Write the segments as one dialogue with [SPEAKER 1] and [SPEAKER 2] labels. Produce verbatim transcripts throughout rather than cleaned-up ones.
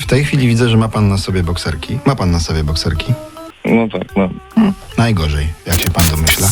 [SPEAKER 1] W tej chwili widzę, że ma pan na sobie bokserki. Ma pan na sobie bokserki?
[SPEAKER 2] No tak, no.
[SPEAKER 1] Hmm. Najgorzej, jak się pan domyśla.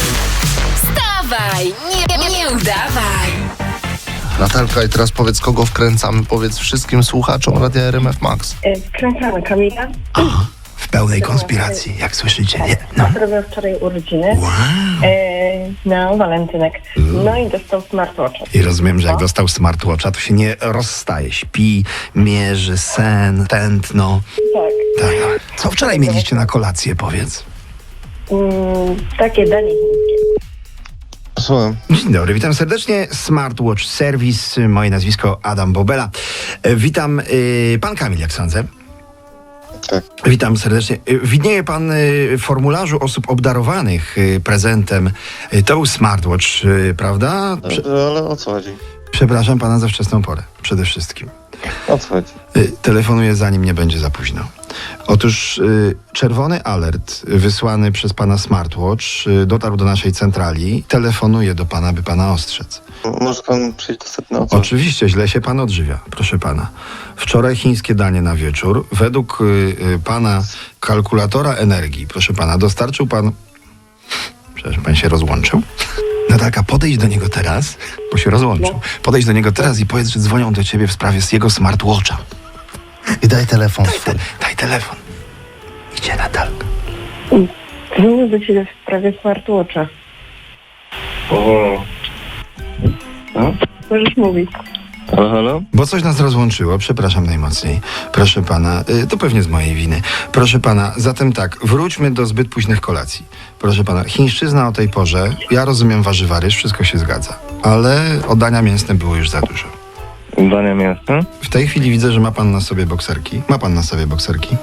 [SPEAKER 3] Wstawaj, nie, nie udawaj.
[SPEAKER 4] Natalka, i teraz powiedz, kogo wkręcamy? Powiedz wszystkim słuchaczom Radia R M F Max.
[SPEAKER 5] Wkręcamy Kamila.
[SPEAKER 1] Aha, w pełnej konspiracji, jak słyszycie, nie? No.
[SPEAKER 5] Robił wczoraj urodziny.
[SPEAKER 1] Wow.
[SPEAKER 5] E, no, walentynek. No i dostał smartwatcha.
[SPEAKER 1] I rozumiem, że jak dostał smartwatcha, to się nie rozstaje. Śpi, mierzy sen, tętno.
[SPEAKER 5] Tak.
[SPEAKER 1] Tak. Co wczoraj mieliście na kolację, powiedz?
[SPEAKER 5] Mm, takie danie chińskie.
[SPEAKER 4] Słucham.
[SPEAKER 1] Dzień dobry, witam serdecznie. Smartwatch Service, moje nazwisko Adam Bobela. E, Witam, y, pan Kamil, jak sądzę.
[SPEAKER 4] Tak.
[SPEAKER 1] Witam serdecznie. Y, Widnieje pan y, w formularzu osób obdarowanych y, prezentem. Y, To był smartwatch, y, prawda? Prze-
[SPEAKER 4] Ale o co chodzi?
[SPEAKER 1] przepraszam pana za wczesną porę, przede wszystkim.
[SPEAKER 4] O co chodzi?
[SPEAKER 1] Y, Telefonuję, zanim nie będzie za późno. Otóż y, czerwony alert wysłany przez pana smartwatch y, dotarł do naszej centrali. Telefonuje do pana, by pana ostrzec.
[SPEAKER 4] Może pan przyjść do sedna, o co?
[SPEAKER 1] Oczywiście, źle się pan odżywia, proszę pana. Wczoraj chińskie danie na wieczór. Według y, y, pana kalkulatora energii, proszę pana, dostarczył pan... Przepraszam, pan się rozłączył? Natalka, podejdź do niego teraz, bo się rozłączył. Podejdź do niego teraz i powiedz, że dzwonią do ciebie w sprawie z jego smartwatcha.
[SPEAKER 4] I daj telefon
[SPEAKER 1] Daj,
[SPEAKER 4] swój.
[SPEAKER 1] te, daj telefon. Idzie Natalka.
[SPEAKER 5] Dzwonię do ciebie w sprawie smartwatcha.
[SPEAKER 2] O. No?
[SPEAKER 5] Możesz mówić.
[SPEAKER 2] Halo, halo?
[SPEAKER 1] Bo coś nas rozłączyło, przepraszam najmocniej. Proszę pana, y, to pewnie z mojej winy. Proszę pana, zatem tak, wróćmy do zbyt późnych kolacji. Proszę pana, chińszczyzna o tej porze, ja rozumiem warzywa, ryż, wszystko się zgadza. Ale o dania mięsne było już za dużo.
[SPEAKER 2] Dania mięsne?
[SPEAKER 1] W tej chwili widzę, że ma pan na sobie bokserki. Ma pan na sobie bokserki?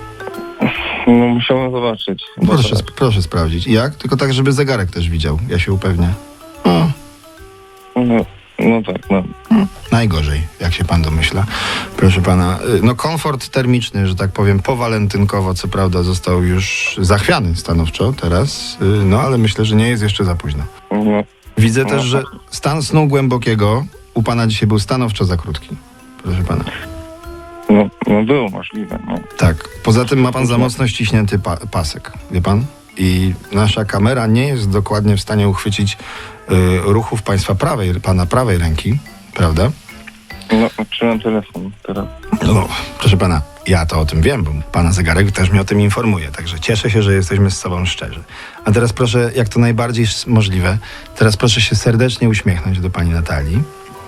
[SPEAKER 2] No musiałem zobaczyć.
[SPEAKER 1] Proszę, sp- proszę sprawdzić. Jak? Tylko tak, żeby zegarek też widział. Ja się upewnię. O,
[SPEAKER 2] No, no tak, no.
[SPEAKER 1] najgorzej, jak się pan domyśla. Proszę pana, y, no komfort termiczny, że tak powiem, powalentynkowo, co prawda został już zachwiany stanowczo teraz, y, no ale myślę, że nie jest jeszcze za późno.
[SPEAKER 2] No,
[SPEAKER 1] Widzę też, że stan snu głębokiego u pana dzisiaj był stanowczo za krótki. Proszę pana.
[SPEAKER 2] no, no było możliwe, no.
[SPEAKER 1] Tak. Poza tym ma pan za mocno ściśnięty pa- pasek, wie pan? I nasza kamera nie jest dokładnie w stanie uchwycić y, ruchów państwa prawej, pana prawej ręki, prawda?
[SPEAKER 2] No, trzymam telefon teraz.
[SPEAKER 1] No, proszę pana, ja to o tym wiem, bo pana zegarek też mnie o tym informuje, także cieszę się, że jesteśmy z sobą szczerzy. A teraz proszę, jak to najbardziej s- możliwe, teraz proszę się serdecznie uśmiechnąć do pani Natalii.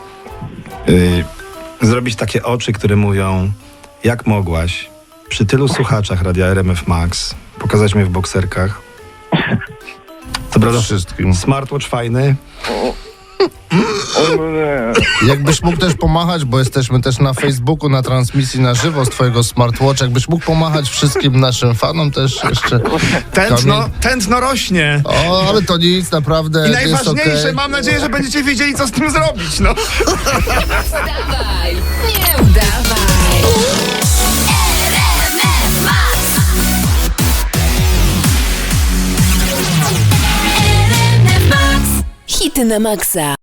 [SPEAKER 1] Yy, zrobić takie oczy, które mówią, jak mogłaś przy tylu słuchaczach Radia R M F Max pokazać mnie w bokserkach. Co prawda,
[SPEAKER 4] Wszystkim.
[SPEAKER 1] smartwatch fajny.
[SPEAKER 2] O, no nie.
[SPEAKER 4] Jakbyś mógł też pomachać, bo jesteśmy też na Facebooku, na transmisji na żywo z twojego smartwatcha. Jakbyś mógł pomachać wszystkim naszym fanom też jeszcze.
[SPEAKER 1] Tętno,
[SPEAKER 4] Kamil.
[SPEAKER 1] tętno rośnie.
[SPEAKER 4] O, ale to nic, naprawdę
[SPEAKER 1] I
[SPEAKER 4] jest
[SPEAKER 1] najważniejsze,
[SPEAKER 4] okej.
[SPEAKER 1] mam nadzieję, że będziecie wiedzieli, co z tym zrobić, no.
[SPEAKER 3] Wstawaj, nie udawaj. R M F Max. R M F Max. Hity na maksa.